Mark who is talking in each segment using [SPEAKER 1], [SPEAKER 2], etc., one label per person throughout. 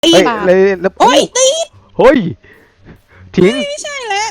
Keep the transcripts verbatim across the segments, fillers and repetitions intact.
[SPEAKER 1] ตี
[SPEAKER 2] เฮ้ย
[SPEAKER 1] บา
[SPEAKER 2] เลยแล้ว
[SPEAKER 1] โอ้ยตี
[SPEAKER 2] เฮ้ยทิ้ง
[SPEAKER 1] ไม่ใช่แล้ว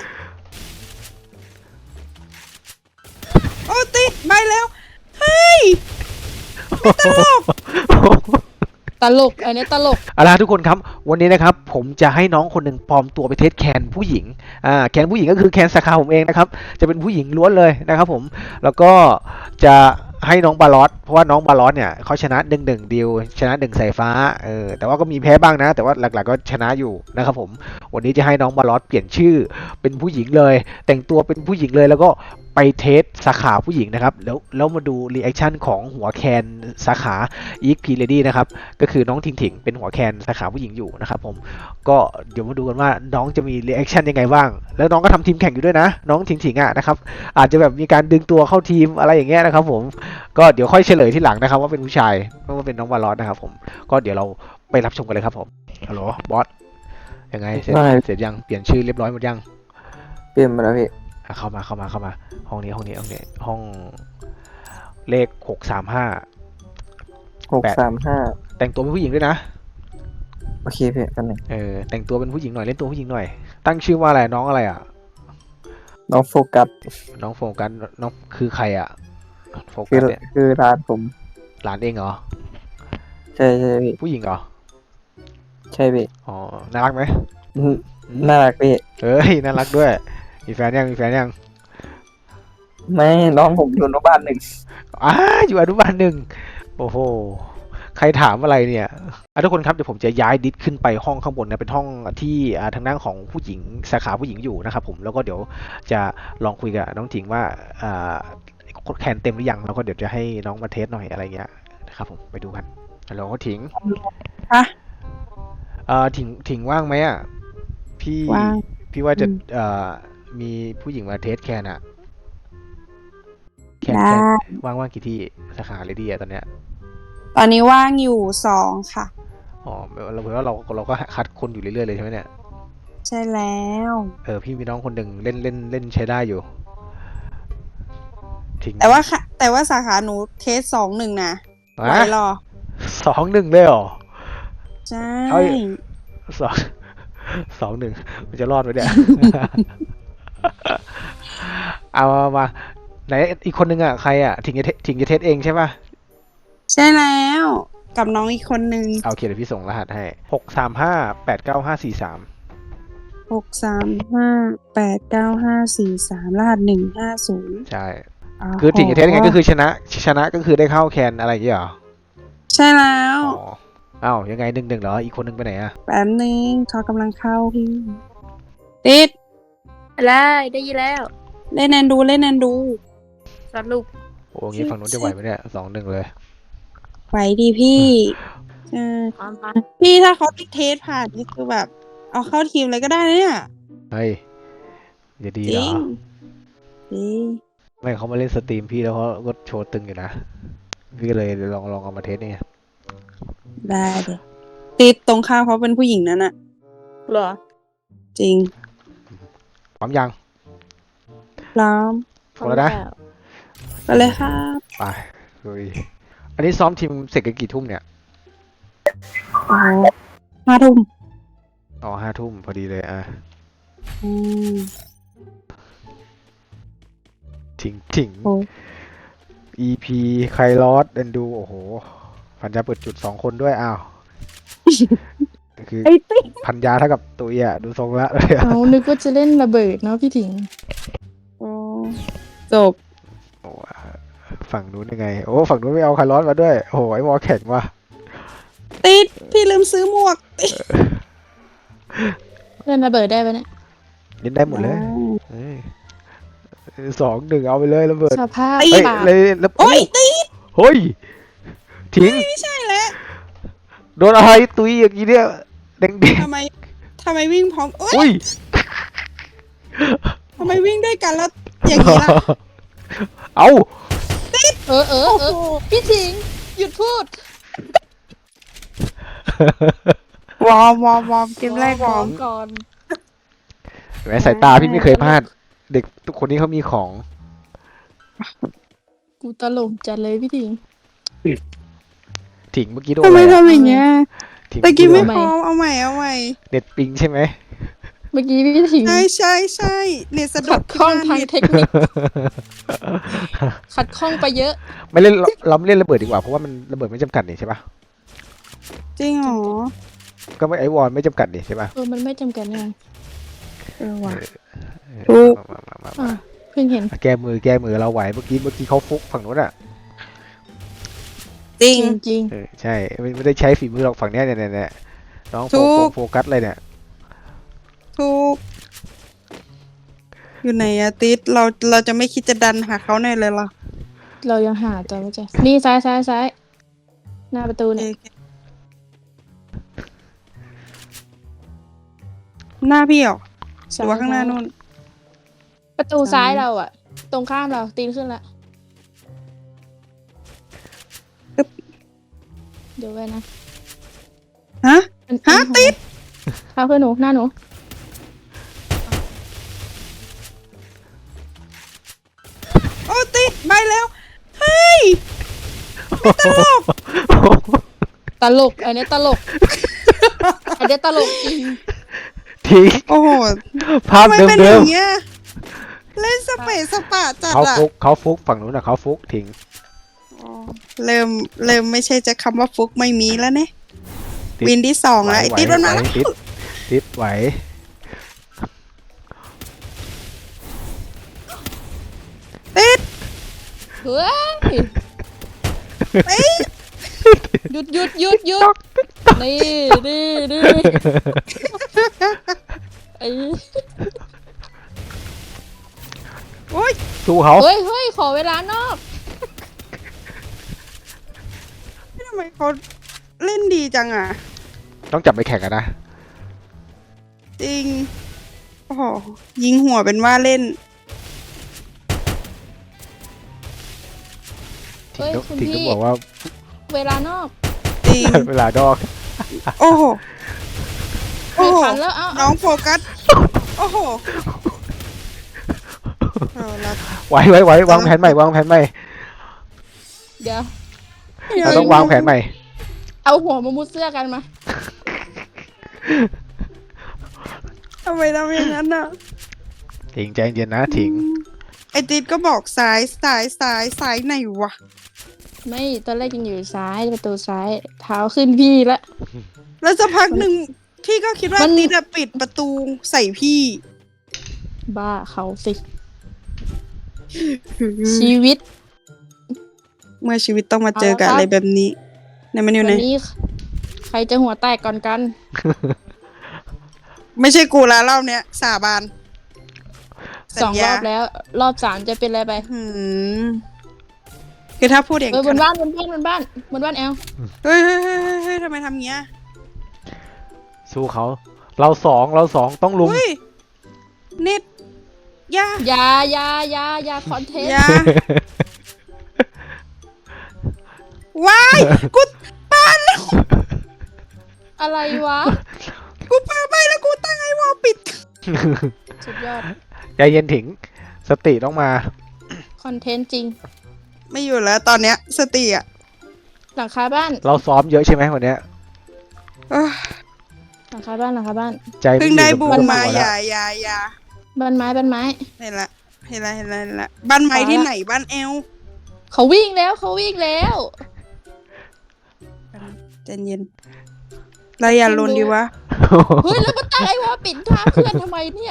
[SPEAKER 1] โอ้ติดไปแล้วเฮ้ยไม่ตลก
[SPEAKER 3] ตลกอันนี้ตลก
[SPEAKER 2] เอาล่ะทุกคนครับวันนี้นะครับผมจะให้น้องคนหนึ่งปลอมตัวไปเทสแคนผู้หญิงอ่าแคนผู้หญิงก็คือแคนสาขาผมเองนะครับจะเป็นผู้หญิงล้วนเลยนะครับผมแล้วก็จะให้น้องบาลอสเพราะว่าน้องบาลอสเนี่ยเขาชนะหนึ่งหนึ่งดิวชนะหนึ่งสายฟ้าเออแต่ว่าก็มีแพ้บ้างนะ แต่ว่าหลักๆก็ชนะอยู่นะครับผมวันนี้จะให้น้องบาลอสเปลี่ยนชื่อเป็นผู้หญิงเลย แต่งตัวเป็นผู้หญิงเลยแล้วก็ไปเทสสาขาผู้หญิงนะครับแล้วแล้วมาดูรีแอคชั่นของหัวแคนสาขาอีกพีเลดี้นะครับก็คือน้องถิงถิงเป็นหัวแคนสาขาผู้หญิงอยู่นะครับผมก็เดี๋ยวมาดูกันว่าน้องจะมีรีแอคชั่นยังไงบ้างแล้วน้องก็ทำทีมแข่งอยู่ด้วยนะน้องถิงถิงอ่ะนะครับอาจจะแบบมีการดึงตัวเข้าทีมอะไรอย่างเงี้ยนะครับผมก็เดี๋ยวค่อยเฉลยที่หลังนะครับว่าเป็นผู้ชายไม่ว่าเป็นน้องวาลอสนะครับผมก็เดี๋ยวเราไปรับชมกันเลยครับผมฮัลโหลบอสยังไงเสร็จ
[SPEAKER 4] ได้
[SPEAKER 2] เสร็จยังเปลี่ยนชื่อเรียบร้อยหมดยัง
[SPEAKER 4] เปลี่ยนมาแล้วพี่
[SPEAKER 2] อ่ะเข้ามาเข้ามาเข้ามาห้องนี้ห้องนี้ห้องนี้ห้องเลขหกสามห้า
[SPEAKER 4] หกสามห้า
[SPEAKER 2] แต่งตัวเป็นผู้หญิงด้วยนะ
[SPEAKER 4] โอเคพี่กันหนึ่ง
[SPEAKER 2] เออแต่งตัวเป็นผู้หญิงหน่อยเล่นตัวผู้หญิงหน่อยตั้งชื่อว่าอะไรน้องอะไรอ่ะ
[SPEAKER 4] น้องโฟกัส
[SPEAKER 2] น้องโฟกัสน้องคือใครอ่ะโฟ
[SPEAKER 4] คื
[SPEAKER 2] กั
[SPEAKER 4] อ
[SPEAKER 2] สเนี่ย
[SPEAKER 4] คือร้านผม
[SPEAKER 2] หลานเองเหรอ
[SPEAKER 4] ใช่ใช่พี่
[SPEAKER 2] ผู้หญิงเหรอ
[SPEAKER 4] ใช่พี่
[SPEAKER 2] อ๋อน่ารักไหม
[SPEAKER 4] อืมน่ารักพี่
[SPEAKER 2] เอ้ยน่ารักด้วยมีแฟนยังมีแฟนยัง
[SPEAKER 4] ไม่น้องผมอยู่อนุบาลหนึ่ง
[SPEAKER 2] อ้าอยู่อนุบาลหนึ่งโอ้โหใครถามอะไรเนี่ยอ่ะทุกคนครับเดี๋ยวผมจะย้ายดิสขึ้นไปห้องข้างบนนะเป็นห้องที่อ่าทางด้านของผู้หญิงสาขาผู้หญิงอยู่นะครับผมแล้วก็เดี๋ยวจะลองคุยกับน้องถิงว่าอ่าแคนเต็มหรือยังแล้วก็เดี๋ยวจะให้น้องมาเทสหน่อยอะไรเงี้ยนะครับผมไปดูกันฮัลโหลถิง
[SPEAKER 1] ฮะ
[SPEAKER 2] เอ่อถิงถิงว่างไหมอ่ะพี่
[SPEAKER 1] ว่าง
[SPEAKER 2] พี่ว่าจะ
[SPEAKER 1] อืม
[SPEAKER 2] เอ่อมีผู้หญิงมาเทสแคนอะแคน
[SPEAKER 1] ได้
[SPEAKER 2] แคนว่างว่างกี่ที่สาขาเลยดีอะตอนเนี้ย
[SPEAKER 1] ตอนนี้ว่างอยู่สองค่ะ
[SPEAKER 2] อ๋อเราเพราะว่าเราเราก็คัดคนอยู่เรื่อยๆเลยใช่ไหมเนี่ย
[SPEAKER 1] ใช่แล้ว
[SPEAKER 2] เออพี่มีน้องคนหนึ่งเล่นเล่นเล่นใช้ได้อยู่ถิง
[SPEAKER 1] แต่ว่าค่ะแต่ว่าสาขาหนูเทสสองหนึ่งนะ
[SPEAKER 2] ฮะ
[SPEAKER 1] ไว้รอ
[SPEAKER 2] สองหนึ่งเลยเหรอ
[SPEAKER 1] ใช่
[SPEAKER 2] เอ้ย สองสองหนึ่งมันจะรอดไหมเนี่ย เอามามาไหนอีกคนนึงอ่ะใครอ่ะถิงจะเทถิงจะเทสเองใช่ป่ะ
[SPEAKER 1] ใช่แล้วกับน้องอีกคนนึง
[SPEAKER 2] เอาโอเคเดี๋ยวพี่ส่งรหัสให้หกสามห้าแปดเก้าห้าสี่สาม
[SPEAKER 1] หกสามห้าแปดเก้าห้าสี่สามรหัสหนึ่งห้าศูนย์
[SPEAKER 2] ใช่ คือถิงจะเทสยังไงก็คือชนะ ชนะก็คือได้เข้าแคนอะไรอย่างเงี้ยเหรอ
[SPEAKER 1] ใช่แล้ว
[SPEAKER 2] อ๋ออ้าวยังไงหนึ่งหนึ่งเหรอ อีกคนนึงไปไหนอ่ะ
[SPEAKER 1] แป๊บนึงเขากำลังเข้าพี่ติด
[SPEAKER 3] อะไรได้ยินแล้ว
[SPEAKER 1] เล่นแอนดูเล่นแอนดู
[SPEAKER 3] สรุป
[SPEAKER 2] โอ้งี้ฝั่งนู้นจะไหวไหมเนี่ยสองหนึ่งเลย
[SPEAKER 1] ไหวดีพี่เออ
[SPEAKER 3] ความพัน
[SPEAKER 1] พี่ถ้าเขาติดเทสผ่านนี่คือแบบ เอาเข้าทีมเลยก็ได้นะเนี่ย
[SPEAKER 2] เฮ้ยจะดี
[SPEAKER 1] จ
[SPEAKER 2] เหร
[SPEAKER 1] ริ
[SPEAKER 2] อ
[SPEAKER 1] งจริง
[SPEAKER 2] ไม่เขามาเล่นสตรีมพี่แล้วเขาก็โชว์ตึงอยู่นะ พี่ก็เลยลองลองเอามาเทสเนี่ย
[SPEAKER 1] ได้เลยติดตรงข้ามเขาเป็นผู้หญิงนั่นอะ
[SPEAKER 3] เหรอ
[SPEAKER 1] จริง
[SPEAKER 2] พร้อมยัง
[SPEAKER 1] พร้อม
[SPEAKER 2] พร้อมแล้วนะ
[SPEAKER 1] ไปเลยครับ
[SPEAKER 2] ไปลุยอันนี้ซ้อมทีมเสร็จกันกี่ทุ่มเนี่ย
[SPEAKER 1] โอ้โหห้าทุ่ม
[SPEAKER 2] อ๋อห้าทุ่มพอดีเลยอ่ะ
[SPEAKER 1] อืม
[SPEAKER 2] ถิงถิง
[SPEAKER 1] โอ้
[SPEAKER 2] อี พี ไคลอสเดนดู โอ้โห พันยาเปิดจุดสองคนด้วย อ้าว คือ
[SPEAKER 3] ไอ้ติ๊ก
[SPEAKER 2] พันยาเท่ากับตุยอ่ะ ดูทรงละเลยอะ
[SPEAKER 3] เอานึกว่าจะเล่นระเบิดเนาะพี่ถิง
[SPEAKER 1] โอ้จบ
[SPEAKER 2] โอ้ฝั่งนู้นยังไง โอ้ ฝั่งนู้นไม่เอาไคลอสมาด้วย โอ้โห ไอ้วอลแข็งว่ะ
[SPEAKER 1] ติดพี่ลืมซื้อหมวกติด
[SPEAKER 3] เล่นระเบิดได้ปะเนี่ย
[SPEAKER 2] เล่นได้หมดเลยเอ้ยสองหนึ่งเอาไปเลยระเบิด
[SPEAKER 3] สภาพ
[SPEAKER 2] เฮ้ย
[SPEAKER 3] ปาก
[SPEAKER 2] เลยแล้ว
[SPEAKER 1] โอ้ยติด
[SPEAKER 2] เฮ้ยทิ้ง
[SPEAKER 1] ไม่ใช่แล้ว
[SPEAKER 2] โดนอะไรตุยอย่างนี้เนี่ยแดง
[SPEAKER 1] ทำไมทำไมวิ่งพร้อมโอ๊
[SPEAKER 2] ๆอุ้
[SPEAKER 1] ย
[SPEAKER 2] ย
[SPEAKER 1] ทำไมวิ่งด้วยกันแล้วอย่างนี้ล่ะ
[SPEAKER 2] เอา
[SPEAKER 3] เออเออเออพี่ถิงหยุดพูด
[SPEAKER 1] วอร์มวอร์มวอร์มเกมแรกวอร์ม
[SPEAKER 3] ก่อน
[SPEAKER 2] แหมสายตาพี่ไม่เคยพลาด เด็กทุกคนนี้เขามีของ
[SPEAKER 3] กูตลกจัดเลยพี่ถิง
[SPEAKER 2] ถิงเมื่อกี้โดน
[SPEAKER 1] ทำ
[SPEAKER 2] อะ
[SPEAKER 1] ไม
[SPEAKER 2] ไรอะ
[SPEAKER 1] ทำอย่างเงี้ย
[SPEAKER 2] ทิ้ง
[SPEAKER 1] ตะกี้ไม่
[SPEAKER 2] พูด
[SPEAKER 1] พร้อมเอาใหม่เอาใหม่
[SPEAKER 2] เน็ตปิงใช่ไหม
[SPEAKER 3] เมื่อกี้พี่ถิง
[SPEAKER 1] ใช่ใช่ใช่เน็ตสะดุ
[SPEAKER 3] ขั
[SPEAKER 1] ด
[SPEAKER 3] ดข้องทาง
[SPEAKER 1] ที่
[SPEAKER 3] เทคนิคขัดข้องไปเยอะ
[SPEAKER 2] ไม่เล่นเราเราไม่เล่นระเบิดดีกว่าเพราะว่ามันระเบิดไม่จำกัดนี่ใช่ปะ
[SPEAKER 1] จริงเหรอ
[SPEAKER 2] ก็ไม่ไอวอลไม่จำกัดนี่ใช่ปะ
[SPEAKER 3] เออมันไม่จำกัดไง
[SPEAKER 1] เออว่ะ
[SPEAKER 2] เอ
[SPEAKER 1] ถู
[SPEAKER 2] อก มามามา
[SPEAKER 3] อ่ะ
[SPEAKER 2] มา
[SPEAKER 3] เพิ่งเห็น
[SPEAKER 2] แก้มือแก้มือเราไหวเมื่อกี้เมื่อกี้เขาฟุกฝั่งนู้นอ่ะ
[SPEAKER 1] จริง
[SPEAKER 3] จริง
[SPEAKER 2] เออใช่ไม่ไม่ได้ใช้ฝีมือหรอกฝั่งเนี้ยเนี่ยเนี่ยเนี่ยน้องโฟ
[SPEAKER 1] ถู
[SPEAKER 2] โฟ
[SPEAKER 1] ก
[SPEAKER 2] โฟกัสเลยเนี่ย
[SPEAKER 1] ถูกอยู่ไหนอะติดเราเราจะไม่คิดจะดันหาเขาหน่อยเลยเหรอ
[SPEAKER 3] ๆเรายังหาตัวไม่เจอนี่ซ้ายซ้ายซ้ายหน้าประตู
[SPEAKER 1] โอ
[SPEAKER 3] เนี่ย
[SPEAKER 1] เคหน้าพี่เหรอหรือว่าข้างหน้านู่น
[SPEAKER 3] ประตูซ้ายเราอ่ะ ตรงข้ามเราตีนขึ้นละเดี๋ยวไว้นะ
[SPEAKER 1] ฮะ
[SPEAKER 3] มัน
[SPEAKER 1] ฮะติด
[SPEAKER 3] เข้าเพื่อนหนูหน้าหนู
[SPEAKER 1] โอ้ติดไปแล้วเฮ้ยตลก
[SPEAKER 3] ตลกอันนี้ตลกอันนี้ตลกจริง
[SPEAKER 2] ทิ้ง
[SPEAKER 1] โอ้โห
[SPEAKER 2] ภาพ
[SPEAKER 1] ทำไม
[SPEAKER 2] เดิม
[SPEAKER 1] เป็น
[SPEAKER 2] เดิ
[SPEAKER 1] อ
[SPEAKER 2] ม
[SPEAKER 1] ย่างเงี้ยเล่นสเปซสปะจัด
[SPEAKER 2] เขา
[SPEAKER 1] อะ
[SPEAKER 2] ฟุกเขาฟุกฝั่งนู้นอ่ะเขาฟุกทิ้ง
[SPEAKER 1] อ๋อเริ่มเริ่มไม่ใช่จะคำว่าฟุกไม่มีแล้วเนี่ย
[SPEAKER 2] ติด
[SPEAKER 1] วินที่สองแล้วไอ้
[SPEAKER 2] ไหว
[SPEAKER 1] ติดมันมา
[SPEAKER 2] ไหว
[SPEAKER 1] แล้ว
[SPEAKER 2] ติดติดไหว
[SPEAKER 1] ติด
[SPEAKER 3] เฮ้ย
[SPEAKER 1] เอ้ย
[SPEAKER 3] หยุดหยุดหยุดหยุดนี่นี่นี่ไอ้
[SPEAKER 1] โอ้ย
[SPEAKER 2] สู้เขา
[SPEAKER 3] เฮ้ยเฮ้ยขอเวลานอก
[SPEAKER 1] ทำไมเขาเล่นดีจังอ่ะ
[SPEAKER 2] ต้องจับไปแข่งกันนะ
[SPEAKER 1] จริงโอ้โหยิงหัวเป็นว่าเล่น
[SPEAKER 3] เฮ้
[SPEAKER 2] ทิ้ง
[SPEAKER 3] ย
[SPEAKER 2] ต้อง
[SPEAKER 3] คุณ
[SPEAKER 2] ทิ้งต้อง
[SPEAKER 3] พี่
[SPEAKER 2] บอกว่า
[SPEAKER 3] เวลานอก
[SPEAKER 1] จริง
[SPEAKER 2] เวลาดอก
[SPEAKER 1] โอ้โหโอ้
[SPEAKER 3] ไม่
[SPEAKER 1] โห
[SPEAKER 3] ทันแล้วเอ้า
[SPEAKER 1] น้องโฟกัส โอ้โหเอาละ
[SPEAKER 2] ไหวไหวไหววางแผนใหม่วางแผนใหม่
[SPEAKER 3] เดี๋ยว
[SPEAKER 2] เราต้องวางแผนใหม่
[SPEAKER 3] เอาหัวมามุดเสื้อกันมา
[SPEAKER 1] ทำไมทำอย่างนั้นอ่ะ
[SPEAKER 2] ทิ้งใจเย็นนะทิ้ง
[SPEAKER 1] ไอติดก็บอกซ้ายซ้ายซ้ายซ้ายไหนวะ
[SPEAKER 3] ไม่ตอนแรกยังอยู่ซ้ายประตูซ้าย เท้าขึ้นพี่ละ
[SPEAKER 1] แล้วสักพักหนึ่งพี่ก็คิดว่า
[SPEAKER 3] มัน
[SPEAKER 1] ติดอะปิดประตูใส่พี่
[SPEAKER 3] บ้าเขาสิ ชีวิต
[SPEAKER 1] เมื่อชีวิตต้องมาเจอกับ
[SPEAKER 3] เอาละครับ
[SPEAKER 1] อะไรแบบนี้ไหนมันอยู่ไหน
[SPEAKER 3] วันนี้ ใครจะหัวแตกก่อนกัน
[SPEAKER 1] ไม่ใช่กูแล้วรอบเนี้ยสาบาน
[SPEAKER 3] สองรอบแล้ว รอบสามจะเป็นอะไรไป
[SPEAKER 1] หืมคือถ้าพูดอย่าง
[SPEAKER 3] เออบนบ้านบนบ้านบนบ้านบนบ้านแอล
[SPEAKER 1] เฮ้ยเฮ้ยเฮ้ยเฮ้ยเฮ้ยทำไมทำเงี้ย
[SPEAKER 2] สู้เขาเราสองเราสองต้องลุม
[SPEAKER 1] เฮ้ยนิดอยา
[SPEAKER 3] อยาอยาอยาอยาคอนเทน
[SPEAKER 1] อ
[SPEAKER 3] ต์
[SPEAKER 1] ยาว้ายกูปาแล้ว
[SPEAKER 3] อะไรวะ
[SPEAKER 1] กูปาไปแล้วกูตั้งไอ้วอลปิด
[SPEAKER 3] สุดยอด
[SPEAKER 2] ใจเย็นถิงสติต้องมา
[SPEAKER 3] คอนเทนต์จริง
[SPEAKER 1] ไม่อยู่แล้วตอนเนี้ยสติอ่ะ
[SPEAKER 3] หลังคาบ้าน
[SPEAKER 2] เราซ้อมเยอะใช่ไหมวันเนี้ย
[SPEAKER 1] เอ้อ
[SPEAKER 3] หลังคาบ้านหลังคาบ้าน
[SPEAKER 2] ใจม่
[SPEAKER 1] เพิ่งได้
[SPEAKER 2] อยู่
[SPEAKER 1] บู
[SPEAKER 2] กับ
[SPEAKER 1] ม
[SPEAKER 2] ตัว
[SPEAKER 1] มา
[SPEAKER 2] แล้ว
[SPEAKER 1] อย่าอย่าอย่า
[SPEAKER 3] บ้านไม้บ้านไม้
[SPEAKER 1] เห็นละเห็นละเห็นละเห็นละบ้านไม้ที่ไหนบ้านเอล
[SPEAKER 3] เขาวิ่งแล้วเขาวิ่งแล้ว
[SPEAKER 1] ใจเย็นเราอย่าลนดีวะ
[SPEAKER 3] เฮ้ยแล้วมาตั้งไอ้วอปิดท่าเพื่อนทำไมเนี่ย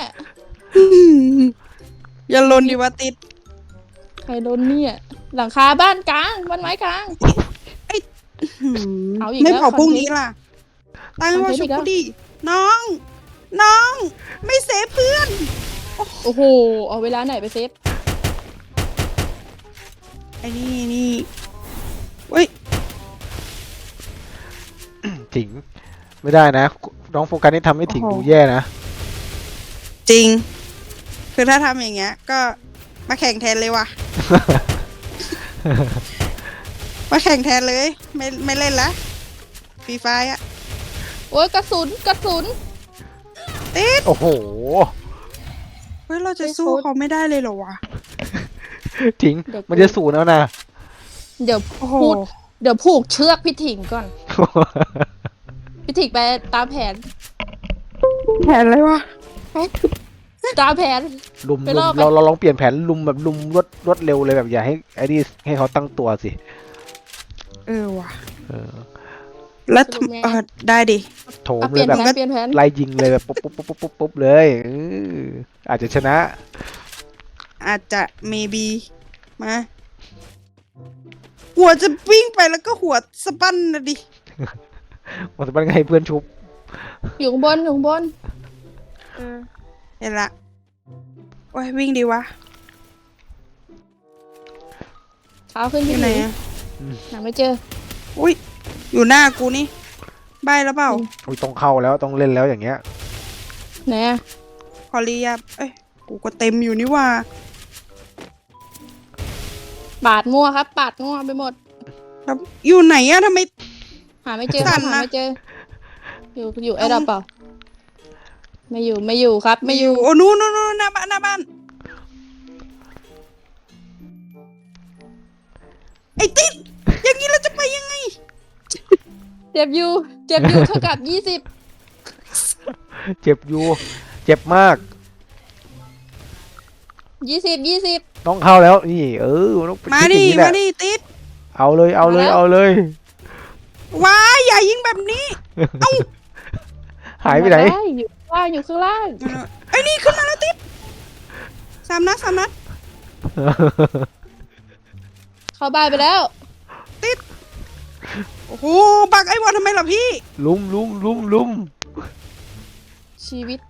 [SPEAKER 1] อย่าลนดีวะติด
[SPEAKER 3] ใครโดนเนี่ย หลังคาบ้านกลางบ้านไม้กลาง
[SPEAKER 1] หืม
[SPEAKER 3] เอาอีก
[SPEAKER 1] ไม่
[SPEAKER 3] แล้ว
[SPEAKER 1] เผาพรุ่ง
[SPEAKER 3] คอนเทนต์
[SPEAKER 1] นี้ล่ะตั้งไว้ว่า
[SPEAKER 3] คอนเทนต์
[SPEAKER 1] ชุ
[SPEAKER 3] อี
[SPEAKER 1] บ
[SPEAKER 3] กแล้ว
[SPEAKER 1] กูดิน้อง น้อง ไม่เซฟเพื่อน
[SPEAKER 3] โอ้โหเอาเวลาไหนไปเซฟ
[SPEAKER 1] ไอ้นี่นี่เว้ย
[SPEAKER 2] ถิงไม่ได้นะน้องโฟกัสนี่ทำให้ถิง
[SPEAKER 1] โอ้โห
[SPEAKER 2] ดูแย่นะ
[SPEAKER 1] จริง คือถ้าทำอย่างเงี้ย ก็มาแข่งแทนเลยว่ะ มาแข่งแทนเลย ไม่ไม่เล่นละฟรีไฟอะ
[SPEAKER 3] โอ้ยกระสุนกระสุน
[SPEAKER 1] ติด
[SPEAKER 2] โอ้โห
[SPEAKER 1] เฮ้ยเราจะ
[SPEAKER 3] ไม่
[SPEAKER 1] สู้
[SPEAKER 3] โคตร
[SPEAKER 1] เขาไม่ได้เลยเหรอวะ
[SPEAKER 2] ถิง
[SPEAKER 3] เดี๋ยว
[SPEAKER 2] มันจะสูนแล้วนะ
[SPEAKER 3] เดี๋ยว
[SPEAKER 1] โอ้โห
[SPEAKER 3] พูด เดี๋ยวผูกเชือกพี่ถิงก่อน
[SPEAKER 1] พ
[SPEAKER 3] พี่ถิกไปตามแผน
[SPEAKER 1] แผนอะไรวะ
[SPEAKER 3] ตามแผน
[SPEAKER 2] ลุม
[SPEAKER 3] ไป
[SPEAKER 2] ลุ
[SPEAKER 3] รอ
[SPEAKER 2] ม
[SPEAKER 3] บไป
[SPEAKER 2] เราเราลองเปลี่ยนแผนลุมแบบลุมรวดรวดเร็วเลยแบบอย่าให้ไอ้นี่ให้เขาตั้งตัวสิ
[SPEAKER 1] เออว่ะ
[SPEAKER 2] เออ
[SPEAKER 1] แล้วทำเออได้ดิ
[SPEAKER 2] โถม
[SPEAKER 3] เอาเป
[SPEAKER 2] เล
[SPEAKER 3] ลี่ย
[SPEAKER 2] ย
[SPEAKER 3] น
[SPEAKER 2] แบบ
[SPEAKER 3] แผนเปลี่ยนแผน
[SPEAKER 2] ไล่ยิงเลยแบบปุ๊บปุ๊บปุ๊บปุ๊บปุ๊บปุ๊บเลยเอออาจจะชนะ
[SPEAKER 1] อาจจะ maybe มาหัวจะวิ่งไปแล้วก็หัวสะบั้นนะดิ
[SPEAKER 2] มันจะเป็นไงเพื่อนชุบ
[SPEAKER 3] อยู่ข้างบนอยู่ข้างบน
[SPEAKER 1] เออเห็นละโอ้ยวิ่งดีวะ
[SPEAKER 3] เท้าขึ้น
[SPEAKER 1] อ
[SPEAKER 3] พี่
[SPEAKER 1] ยู่ไหน
[SPEAKER 3] ถิง
[SPEAKER 1] อะ
[SPEAKER 3] หาไม่เจอ
[SPEAKER 1] อุ้ยอยู่หน้ากูนี่ใบแล้วเปล่า
[SPEAKER 2] อุ้ยต้องเข้าแล้วต้องเล่นแล้วอย่างเงี้ย
[SPEAKER 3] ไหนอะ
[SPEAKER 1] พอลียาเอ้ยกูก็เต็มอยู่นี่ว่า
[SPEAKER 3] ปาดมั่วครับ ปาดมั่วไปหมด
[SPEAKER 1] แล้วอยู่ไหนอะทำไม
[SPEAKER 3] หาไม่เจอครับ
[SPEAKER 1] สั่น
[SPEAKER 3] หา
[SPEAKER 1] นะ
[SPEAKER 3] ไม่เจอ อยู่อยู่ไอ้ดับเปล่า ไม่อยู่ไม่อยู่ครับ ไม่อยู่
[SPEAKER 1] โอ้นู้นนู้นนู้นหน้าบ้านหน้าบ้านไอ้ติ๊ดอย่างนี้เราจะไปยังไง
[SPEAKER 3] เจ็บอยู่ เจ็บอยู่เท่ากับยี่สิบ
[SPEAKER 2] เจ็บอยู่เจ็บมาก
[SPEAKER 3] ยี่สิบยี่สิบ
[SPEAKER 2] ต้องเข้าแล้วนี่เออต้อง
[SPEAKER 1] มา
[SPEAKER 2] คิ
[SPEAKER 1] ดิ
[SPEAKER 2] อย่งนี้แห
[SPEAKER 1] มา
[SPEAKER 2] ละ
[SPEAKER 1] ดิติ๊ด
[SPEAKER 2] เอาเลยเอาเลยเอาเลย
[SPEAKER 1] ว้ายอย่ายิงแบบนี้
[SPEAKER 2] หายไปไหน
[SPEAKER 3] ด้อยู่ข้างล่างอยู่ข้างล่าง
[SPEAKER 1] ไอ้นี่ขึ้นมาแล้วติ๊ดสามนัดสามนัด
[SPEAKER 3] เข้าบ้านไปแล้ว
[SPEAKER 1] โอ้โหบักไอ้วอนทำไมล่ะพี่
[SPEAKER 2] ลุมลุมลุมลุม
[SPEAKER 3] ชีวิต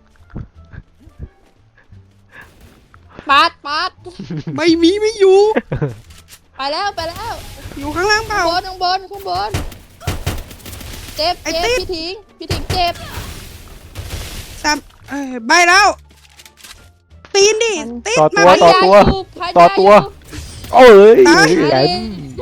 [SPEAKER 3] ปาดปาด
[SPEAKER 1] ไม่มีไม่อยู่
[SPEAKER 3] ไปแล้วไปแล้ว
[SPEAKER 1] อยู่ข้างล่างเปล่า
[SPEAKER 3] ข้างบนข้างบนข้างบน เจ็บ
[SPEAKER 1] ไอ้
[SPEAKER 3] เจ็บ
[SPEAKER 1] ติ๊ด
[SPEAKER 3] พี่ถิงพี่ถิงเจ็บ
[SPEAKER 1] สามเอ้ยใบแล้ว ตีนดิ
[SPEAKER 3] มัน
[SPEAKER 1] ติ๊ด
[SPEAKER 2] ต่อ
[SPEAKER 1] มา
[SPEAKER 2] ตัว
[SPEAKER 1] ดิ
[SPEAKER 2] ต่อตัว
[SPEAKER 3] พันยา
[SPEAKER 2] ต่อตัว
[SPEAKER 3] ยู่
[SPEAKER 2] โอ้ย
[SPEAKER 1] ตาย
[SPEAKER 2] แหลม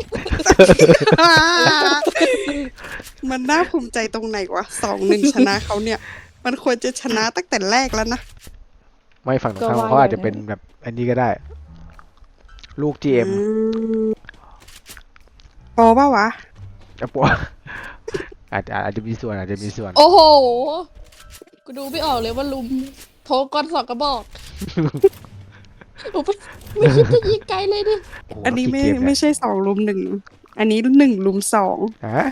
[SPEAKER 1] มันน่าภูมิใจตรงไหนวะสองหนึ่งชนะเขาเนี่ย มันควรจะชนะตั้งแต่แรกแล้วนะ
[SPEAKER 2] ไม่ฝั่งตรงข้ามเขาอาจจะเป็นแบบอันนี้ก็ได้ ลูก จี เอ็ม
[SPEAKER 1] อืมพอป่าวะ
[SPEAKER 2] จะปวอาจจะอาจจะมีส่วนอาจจะมีส่วน
[SPEAKER 3] โอ้โห กูดูไม่ออกเลยว่าลุมโทรก้อนสองกระบอกโอ้ไม่ไม่คิดจะยิงไกลเลยดิ
[SPEAKER 2] โโห
[SPEAKER 1] อันนี้ไม่
[SPEAKER 2] กี่เกเนี่ย
[SPEAKER 1] ไม่ใช่สองลุมหนึ่งอันนี้หนึ่งลุมสอง
[SPEAKER 2] ฮะ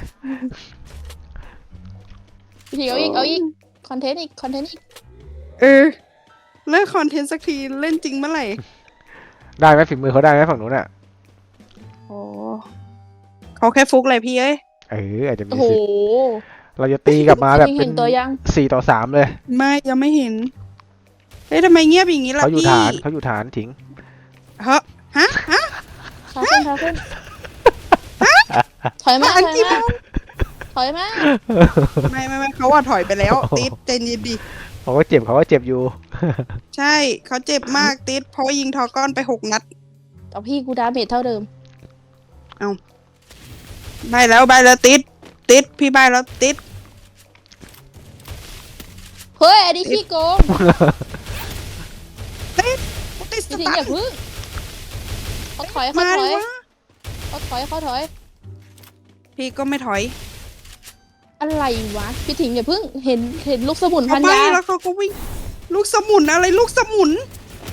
[SPEAKER 3] พี่ถิงเอาอีกเอาอีกคอนเทนต์อีกคอนเทนต์อีก
[SPEAKER 1] เออเลิกคอนเทนต์สักทีเล่นจริงเมื่อไหร่
[SPEAKER 2] ได้ไหมฝีมือเขาได้ไหมฝั่งนู้นอ่ะ
[SPEAKER 1] โอ้เขาแค่ฟุกเลยพี่เอ้ย
[SPEAKER 2] เอออาจจะมี
[SPEAKER 3] โอ้โห
[SPEAKER 2] สิทธิ์เราจะตีกลับมาแบบ
[SPEAKER 3] พี่ถิง
[SPEAKER 2] เป็
[SPEAKER 3] เห็
[SPEAKER 2] น
[SPEAKER 3] นตัวยัง
[SPEAKER 2] สี่ต่อสามเลย
[SPEAKER 1] ไม่ยังไม่เห็นเฮ้ยทำไมเงียบอย่างนี้ล่ะ
[SPEAKER 2] เขาอยู่
[SPEAKER 1] พี่
[SPEAKER 2] ฐานเขาอยู่ฐานถิง
[SPEAKER 1] เฮ้อฮะฮะ
[SPEAKER 3] ขาขึ้นขาขึ้นถอยมาถ
[SPEAKER 1] อัน
[SPEAKER 3] อย
[SPEAKER 1] ที่
[SPEAKER 3] มาถอยมา
[SPEAKER 1] ไม่ไม่ไม่เขาว่าถอยไปแล้วติดเจนยินดี
[SPEAKER 2] เขาก็เจ็บเขาก็เจ็บอยู่
[SPEAKER 1] ใช่เขาเจ็บมากติดเพราะว่ายิงทอก้อนไปหกนัด
[SPEAKER 3] เอาพี่กูดาเมจเท่าเดิม
[SPEAKER 1] ใบแล้วใบแล้วติดติดพี่ใบแล้วติด
[SPEAKER 3] เฮ้ยอันนี้ขี้โกง
[SPEAKER 1] ติดติดส
[SPEAKER 3] พี่ถิง
[SPEAKER 1] ตา
[SPEAKER 3] อย่า
[SPEAKER 1] ร์ท
[SPEAKER 3] พึ่งเขาถอยเขา
[SPEAKER 1] มา
[SPEAKER 3] ถ
[SPEAKER 1] ดิ
[SPEAKER 3] อยว
[SPEAKER 1] ะ
[SPEAKER 3] เขาถอยเขาถอย
[SPEAKER 1] พี่ก็ไม่ถอย
[SPEAKER 3] อะไรวะพี่ถิงอย่าพึ่งเห็นเห็นลูกสมุนพั
[SPEAKER 1] เขา
[SPEAKER 3] น
[SPEAKER 1] ใบ
[SPEAKER 3] ยา
[SPEAKER 1] แล้วเขาก็วิ่งลูกสมุนอะไรลูกสมุน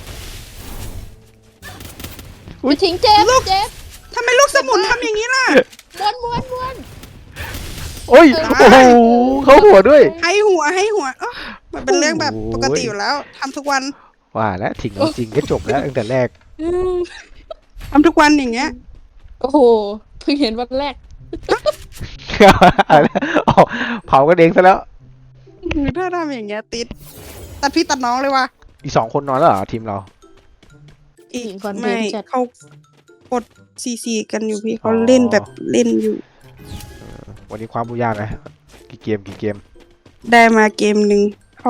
[SPEAKER 3] พี่ถิงเจ็บ
[SPEAKER 1] ลูก
[SPEAKER 3] เจ็บ
[SPEAKER 1] ทำไมลูกสมุนทำอย่างนี้ล่ะ
[SPEAKER 3] ม้วนม้วนม้วน
[SPEAKER 2] โอ้ย
[SPEAKER 1] ตาย
[SPEAKER 2] โอ้โหเขาหัวด้วย
[SPEAKER 1] ให้หัวให้หัวเอ้อมันเป็นเรื่องแบบปกติอยู่แล้วทำทุกวัน
[SPEAKER 2] ว่าแล้วถิงเอาจริงก็จบแล้วตั้งแต่แรก
[SPEAKER 1] ทำทุกวันอย่างเงี้ย
[SPEAKER 3] โอ้โหเพิ่งเห็นวันแรก
[SPEAKER 2] อะไรนะอ๋อเผากันเองซะแล้ว
[SPEAKER 1] ถ้าทำอย่างเงี้ยติดตัดพี่ตัดน้องเลยว่ะ
[SPEAKER 2] อีกสองคนนอนแล้วเหรอทีมเรา
[SPEAKER 1] อีก
[SPEAKER 3] คอนเท
[SPEAKER 1] ไม่
[SPEAKER 3] นต์จัด
[SPEAKER 1] เขากดซีซีกันอยู่พี่เขาเล่นแบบเล่นอยู่
[SPEAKER 2] วันนี้ความบุญยากนะกี่เกมกี่เกม
[SPEAKER 1] ได้มาเกมหนึ่งห้อง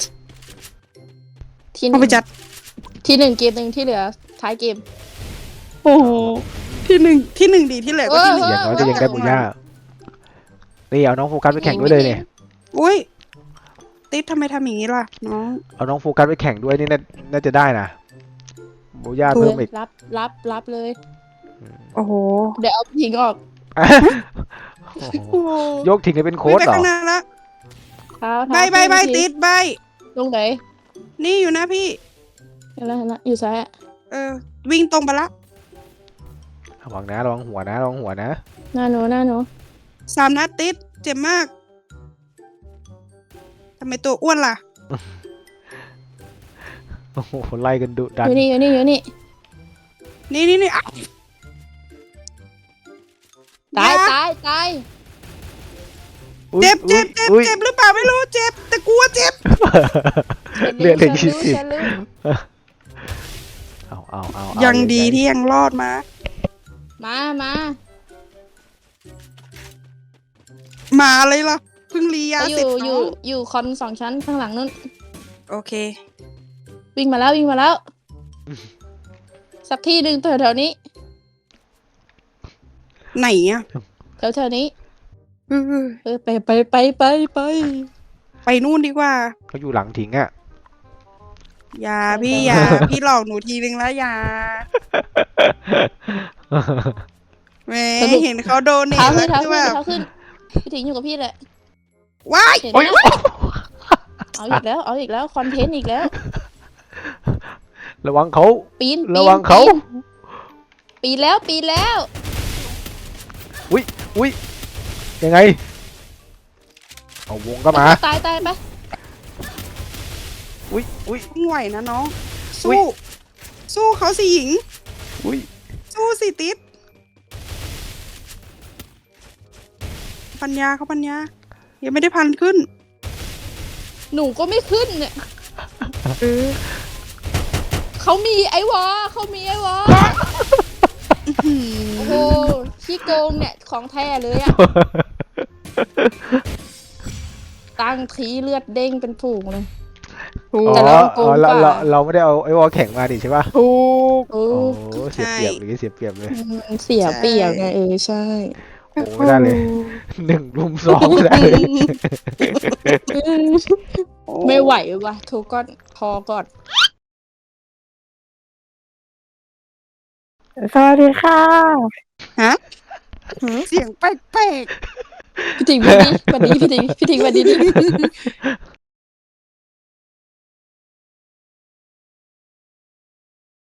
[SPEAKER 3] ที่ห
[SPEAKER 1] ห้อง
[SPEAKER 3] นึ่
[SPEAKER 1] ไป
[SPEAKER 3] ง
[SPEAKER 1] จัด
[SPEAKER 3] ที่หนึ่งเกมหนึ่งที่เหลือท้ายเกม
[SPEAKER 1] โอ้โหที่หนึ่งที่หนึ่งดีที่เหลือก็ที่หนึ่ง
[SPEAKER 2] อย่างน้อยก็ยังได้บุญยากนี่เอาน้องโฟกัสไปแข่งด้วยเลยเนี่ย
[SPEAKER 1] อุ้ยติ๊ดทำไมทำอย่างนี้ล่ะน้อง
[SPEAKER 2] เอาน้องโฟกัสไปแข่งด้วยนี่น่าน่าจะได้นะบุญยากเพิ่มอีก
[SPEAKER 3] รับรับรับเลย
[SPEAKER 1] โอ้โห
[SPEAKER 3] เดี๋ยวเอาพี่ถิงออก
[SPEAKER 2] โอ้โห
[SPEAKER 1] โอ้โห
[SPEAKER 2] โยกทิ้งให้เป็นโค้
[SPEAKER 1] วิ่ง
[SPEAKER 2] ด
[SPEAKER 1] ไป
[SPEAKER 2] เหรอ
[SPEAKER 1] ข้างหน้าละ
[SPEAKER 3] เท้า
[SPEAKER 1] ใบ
[SPEAKER 3] เท้า
[SPEAKER 1] ใบใบ
[SPEAKER 3] พี่
[SPEAKER 1] ติดใบ
[SPEAKER 3] ลงไหน
[SPEAKER 1] นี่อยู่นะพี่
[SPEAKER 3] เห็นแล้วเห็นแล้วอยู่ซ้ายอะ
[SPEAKER 1] เออ วิ่งตรงไปละ
[SPEAKER 2] ระวังนะระวังหัวนะระวังหัวนะ
[SPEAKER 3] หน้าหนูหน้าหนู
[SPEAKER 1] สามนัดติด เจ็บมากทำไมตัวอ้วนล่ะ
[SPEAKER 2] โอ้โหไล่กันดุดั
[SPEAKER 3] อน ยู่นี่อยู่นี่อยู่นี่
[SPEAKER 1] นี่นี่นี่อ้าว
[SPEAKER 3] ตาย
[SPEAKER 1] อย่
[SPEAKER 3] ตายตาย
[SPEAKER 2] อุ๊ย
[SPEAKER 1] เจ็บเจ็บเจ็บ
[SPEAKER 2] อุ๊ย
[SPEAKER 1] เจ็บหรือเปล่าไม่รู้เจ็บ แต่กลัวเจ็บ
[SPEAKER 2] เลือดเหลือ
[SPEAKER 3] ฉั
[SPEAKER 2] ยี่
[SPEAKER 3] นรู้
[SPEAKER 2] สิบ
[SPEAKER 3] ฉันรู้
[SPEAKER 2] เอาเอาเอาเอา
[SPEAKER 1] ยังดี
[SPEAKER 2] ใหญ่ๆ
[SPEAKER 1] ที่ยังรอดมา
[SPEAKER 3] มามา
[SPEAKER 1] มาเลยล่ะเพิ่งรียา
[SPEAKER 3] ไปอ
[SPEAKER 1] เสร็จ
[SPEAKER 3] ยู่อ
[SPEAKER 1] น้
[SPEAKER 3] ยู่
[SPEAKER 1] อง
[SPEAKER 3] อยู่คอนสองชั้นข้างหลังนู้น
[SPEAKER 1] โอเค
[SPEAKER 3] วิ่งมาแล้ววิ่งมาแล้ว สักที่หนึ่งแถวแถวๆนี้
[SPEAKER 1] ไหนอ่ะ
[SPEAKER 3] แถวแถวๆนี้
[SPEAKER 1] เออ
[SPEAKER 3] เออไปไปไปไปไป
[SPEAKER 1] ไปนู่นดีกว่า
[SPEAKER 2] เขาอยู่หลังถิงอ่ะ
[SPEAKER 1] อย่าพี่อย่า พี่หลอกหนูทีนึงแล้วอย่าแหมเห็นเขาโดนเนี่ย
[SPEAKER 3] เท้าขึ้
[SPEAKER 1] แล้
[SPEAKER 3] น
[SPEAKER 1] ว
[SPEAKER 3] เท้า
[SPEAKER 1] คือ
[SPEAKER 3] ขึ้น
[SPEAKER 1] แบบ
[SPEAKER 3] เท้าขึ้นพี่ถิงอยู่กับพี่แหละ
[SPEAKER 1] ว้าย
[SPEAKER 3] เห็นไห
[SPEAKER 2] โอ้
[SPEAKER 3] ม
[SPEAKER 2] ย
[SPEAKER 3] เอาอีกแล้วเอาอีกแล้วคอนเทนต์อีกแล้ว
[SPEAKER 2] ระวังเขา
[SPEAKER 3] ปีนปีน
[SPEAKER 2] ระวังเขา
[SPEAKER 3] ปีนปีนแล้วปีนแล้ว
[SPEAKER 2] อุ้ยอุ้ยยังไง เอาวงก็มา
[SPEAKER 3] ตายตายไป
[SPEAKER 2] อุ้ยอุ้ย
[SPEAKER 1] ต้องไหวนะน้อง
[SPEAKER 2] อุ๊ย
[SPEAKER 1] สู้ สู้เขาสิหญิง
[SPEAKER 2] อุ้ย
[SPEAKER 1] สู้สิติดปัญญาเขาปัญญา ยังไม่ได้พันขึ้น
[SPEAKER 3] หนูก็ไม่ขึ้นเนี่ย
[SPEAKER 1] เออ
[SPEAKER 3] เขามีไอวอเขามีไอวอ
[SPEAKER 1] หื
[SPEAKER 3] โอ้โหขี้โกงเนี่ยของแท้เลยอะ ตั้งทีเลือดเด้งเป็นฝูงเลย
[SPEAKER 1] ถูก
[SPEAKER 2] อ๋อ
[SPEAKER 3] แต่เราโกง
[SPEAKER 2] อ๋อเรา
[SPEAKER 3] กว่า
[SPEAKER 2] เราเราไม่ได้เอาไอ้วอลแข่งมาดิใช่ป่ะ
[SPEAKER 1] ถูก
[SPEAKER 3] โอ้
[SPEAKER 2] โอ้เสียเปรียบหรือเสียเปรียบเลย
[SPEAKER 3] มันเสียเปรียบไงเออใช่
[SPEAKER 2] โอ้ไม่ได้เลย หนึ่งรุมสองไม่ได้เลย
[SPEAKER 3] ไม่ไหวว่ะทุกก้อนพอก่อน
[SPEAKER 4] สวัสดีค่ะ
[SPEAKER 1] ฮะ เสียงแปลก
[SPEAKER 3] พี่ถิงวันนี้วันนี้พี่ถิงพี่ถิงวันนี้ดิ